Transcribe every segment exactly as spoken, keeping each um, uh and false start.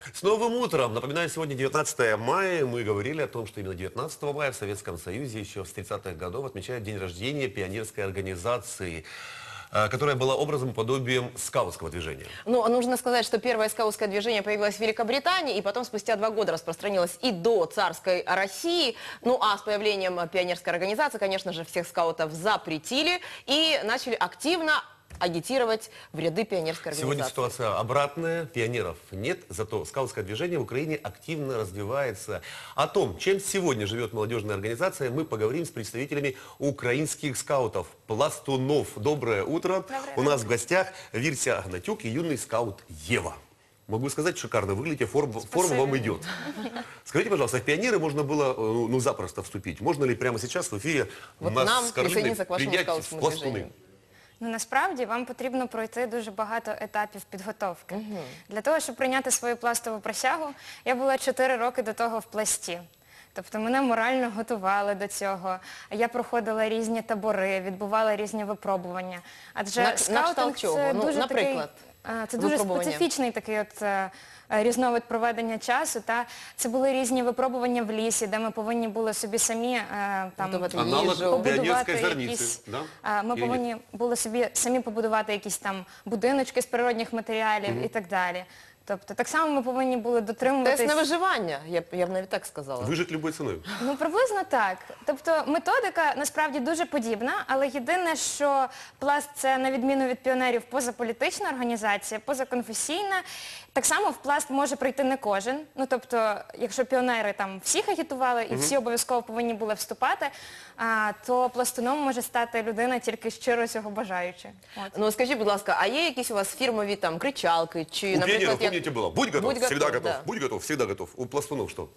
С новым утром! Напоминаю, сегодня девятнадцатое мая. Мы говорили о том, что именно девятнадцатого мая в Советском Союзе еще с тридцатых годов отмечают день рождения пионерской организации, которая была образом и подобием скаутского движения. Ну, нужно сказать, что первое скаутское движение появилось в Великобритании, и потом спустя два года распространилось и до царской России. Ну, а с появлением пионерской организации, конечно же, всех скаутов запретили и начали активно агитировать в ряды пионерской организации. Сегодня ситуация обратная, пионеров нет, зато скаутское движение в Украине активно развивается. О том, чем сегодня живет молодежная организация, мы поговорим с представителями украинских скаутов, пластунов. Доброе утро! Доброе У нас утро. в гостях Виртя Гнатюк и юный скаут Ева. Могу сказать, шикарно выглядите, форма, форма вам идет. Скажите, пожалуйста, в пионеры можно было ну, ну, запросто вступить? Можно ли прямо сейчас в эфире Вот нас нам с Каролиной присоединиться к вашему принять в скаутскому пластуны? движению? Ну, насправді, вам потрібно пройти дуже багато етапів підготовки. Для того, щоб прийняти свою пластову присягу, я була чотири роки до того в пласті. Тобто мене морально готували до цього. Я проходила різні табори, відбувала різні випробування. Адже На- на скаутинг кшталт чого? це Ну, дуже такий, наприклад, е, це дуже випробування. специфічний такий от е, е, різновид проведення часу. Та це були різні випробування в лісі, де ми повинні були собі самі е, там Готувати Аналог їжу. побудувати піонерської зерниці, якісь, да? а, ми Или повинні були собі самі побудувати якісь там будиночки з природних матеріалів і так далі. Тобто так само ми повинні були дотримуватись. Тест на виживання, я б, я б навіть так сказала. Выжить любой ценой. Ну, приблизно так. Тобто методика насправді дуже подібна, але єдине, що пласт це, на відміну від піонерів, позаполітична організація, позаконфесійна. Так само в пласт може прийти не кожен. Ну, тобто, якщо піонери там всіх агітували і всі обов'язково повинні були вступати, а, то пластуном може стати людина тільки щиро цього бажаючи. От. Ну, скажіть, будь ласка, а є якісь у вас фірмові там кричалки? Чи, У наприклад, пионеров, як- помните, было, будь готов, Будь всегда готов, готов, да. будь готов, всегда готов. У пластунов что?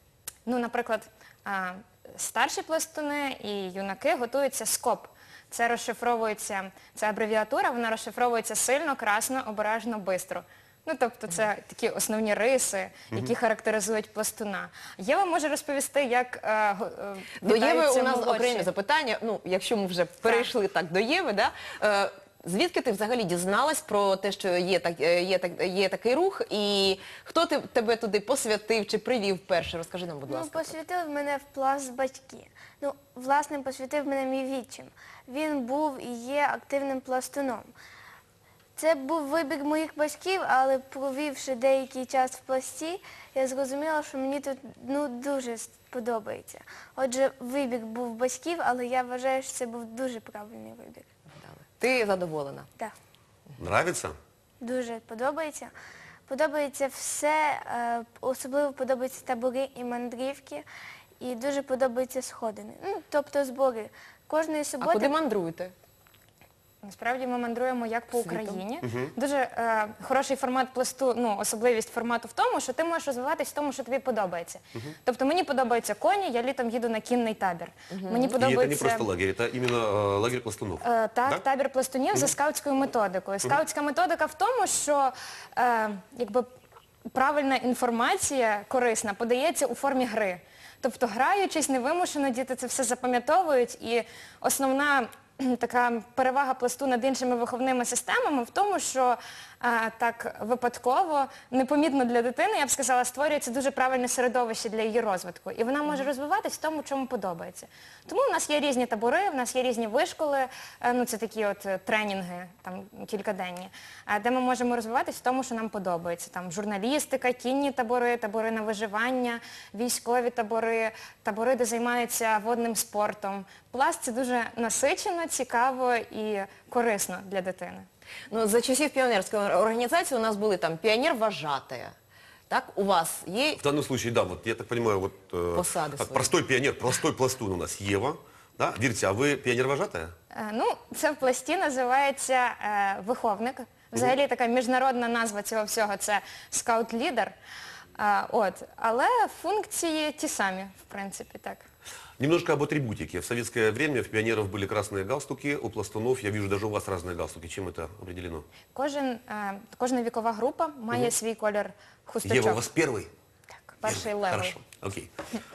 Ну, наприклад, а, старші пластуни і юнаки готуються скоп. Це розшифровується, це абревіатура, вона розшифровується сильно, красно, обережно, бистро. Ну, тобто це такі основні риси, які характеризують пластуна. Єва може розповісти, як е, го- е, До Єви вітаються у нас молодші. окремі запитання. Ну, якщо ми вже перейшли так до Єви, да? Е, звідки ти взагалі дізналась про те, що є, так, е, є, так, є такий рух, і хто ти, тебе туди посвятив чи привів перше? Розкажи нам, будь Ну, ласка. посвятив мене в пласт батьки. Ну, власне, посвятив мене мій відчим. Він був і є активним пластуном. Це був вибір моїх батьків, але провівши деякий час в пласті, я зрозуміла, що мені тут ну, дуже подобається. Отже, вибір був батьків, але я вважаю, що це був дуже правильний вибір. Ти задоволена? Так, Нравится? дуже подобається. Подобається все, е, особливо подобаються табори і мандрівки, і дуже подобаються сходини. Ну, тобто збори. Кожної А суботи... куди мандруєте? Насправді ми мандруємо як по Світом. Україні. Дуже е, хороший формат пласту, ну, особливість формату в тому, що ти можеш розвиватись в тому, що тобі подобається. Тобто мені подобаються коні, я літом їду на кінний табір. Мені И это не подобається... просто лагерь, это именно э, лагерь пластунов. Е, Так, Да? табір пластунів за скаутською методикою. Скаутська методика в тому, що е, якби, правильна інформація, корисна, подається у формі гри. Тобто, граючись, невимушено, діти це все запам'ятовують. І основна кхм, така перевага пласту над іншими виховними системами в тому, що е, так випадково, непомітно для дитини, я б сказала, створюється дуже правильне середовище для її розвитку. І вона може розвиватись в тому, чому подобається. Тому в нас є різні табори, в нас є різні вишколи, е, ну це такі от е, тренінги, там кількаденні, е, де ми можемо розвиватись в тому, що нам подобається. Там журналістика, кінні табори, табори на виживання, військові табори, табори, де займаються водним спортом. Пласт – це дуже насичено, цікаво і корисно для дитини. Ну, за часів піонерської організації у нас були там піонер-вожатая. Так, у вас є... В данном случае, да, вот я так понимаю, вот э, Посады как свои. простой пионер, простой пластун у нас Ева. Да? Виртя, а вы пионер-вожатая? Е, Ну, це в пласті називається е, виховник. Взагалі така міжнародна назва цього всього – це скаут-лідер. Е, от. Але функції ті самі, в принципі, так. Немножко об атрибутике. В советское время в пионеров были красные галстуки, у пластунов, я вижу, даже у вас разные галстуки. Чем это определено? Кожен, е, кожна вікова група має свій колір хусточок. Ева, у вас первый? Так, перший Первый. левел. Хорошо, окей.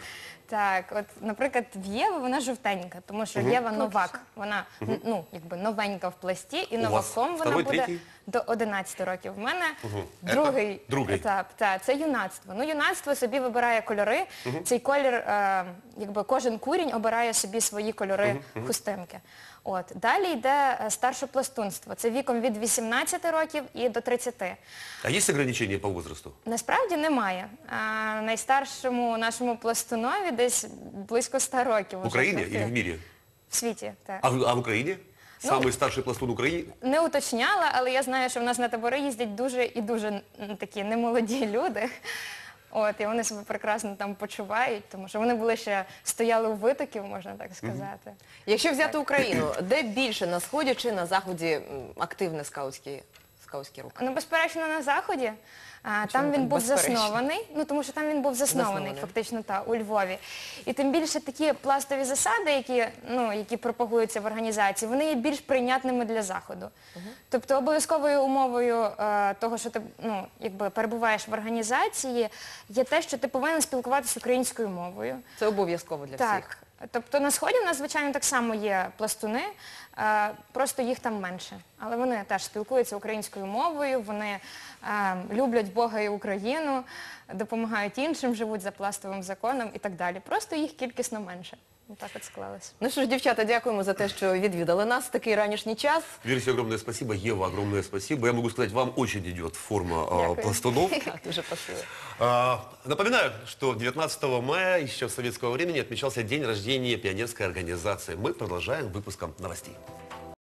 Так, от, наприклад, в Єви вона жовтенька, тому що Єва новак, вона ну, якби новенька в пласті, і У вас новаком вона второй, буде третій? до одинадцяти років. В мене Це другий другий. етап, та, це юнацтво. Ну, юнацтво собі вибирає кольори, цей колір, е, якби кожен курінь обирає собі свої кольори хустинки. От. Далі йде е, старше пластунство, це віком від вісімнадцяти років і до тридцяти. А есть ограничения по возрасту? Насправді немає. А, найстаршому нашому пластунові десь близько ста років. В уже Украине практично. или в мире? В світі, так. А, в- а в Украине? Ну, Самый старший пластун Украины? Не уточняла, але я знаю, що в нас на табори їздять дуже і дуже м, такі немолоді люди. От, і вони себе прекрасно там почувають, тому що вони були ще, стояли у витоків, можна так сказати. Якщо взяти Україну, де більше на сході чи на заході м, активний скаутський, скаутський рух? Ну, безперечно, на Заході. А, там так він був безперечно? заснований, ну тому що там він був заснований, Заснований. фактично, та, у Львові. І тим більше такі пластові засади, які, ну, які пропагуються в організації, вони є більш прийнятними для Заходу. Тобто обов'язковою умовою е, того, що ти ну, якби, перебуваєш в організації, є те, що ти повинен спілкуватися українською мовою. Це обов'язково для всіх. Так. Тобто на Сході в нас, звичайно, так само є пластуни, е, просто їх там менше. Але вони теж спілкуються українською мовою, вони е, люблять Бога і Україну, допомагають іншим, живуть за пластовим законом і так далі. Просто їх кількісно менше. Так от склалось. Ну що ж, дівчата, дякуємо за те, що відвідали нас в такий ранішній час. Версия, огромное спасибо. Ева, огромное спасибо. Я могу сказать, вам очень идет форма а, Дякую. пластунов. Дуже спасибо. А, Напоминаю, что девятнадцатого мая еще с советского времени отмечался день рождения пионерской организации. Мы продолжаем выпуском новостей.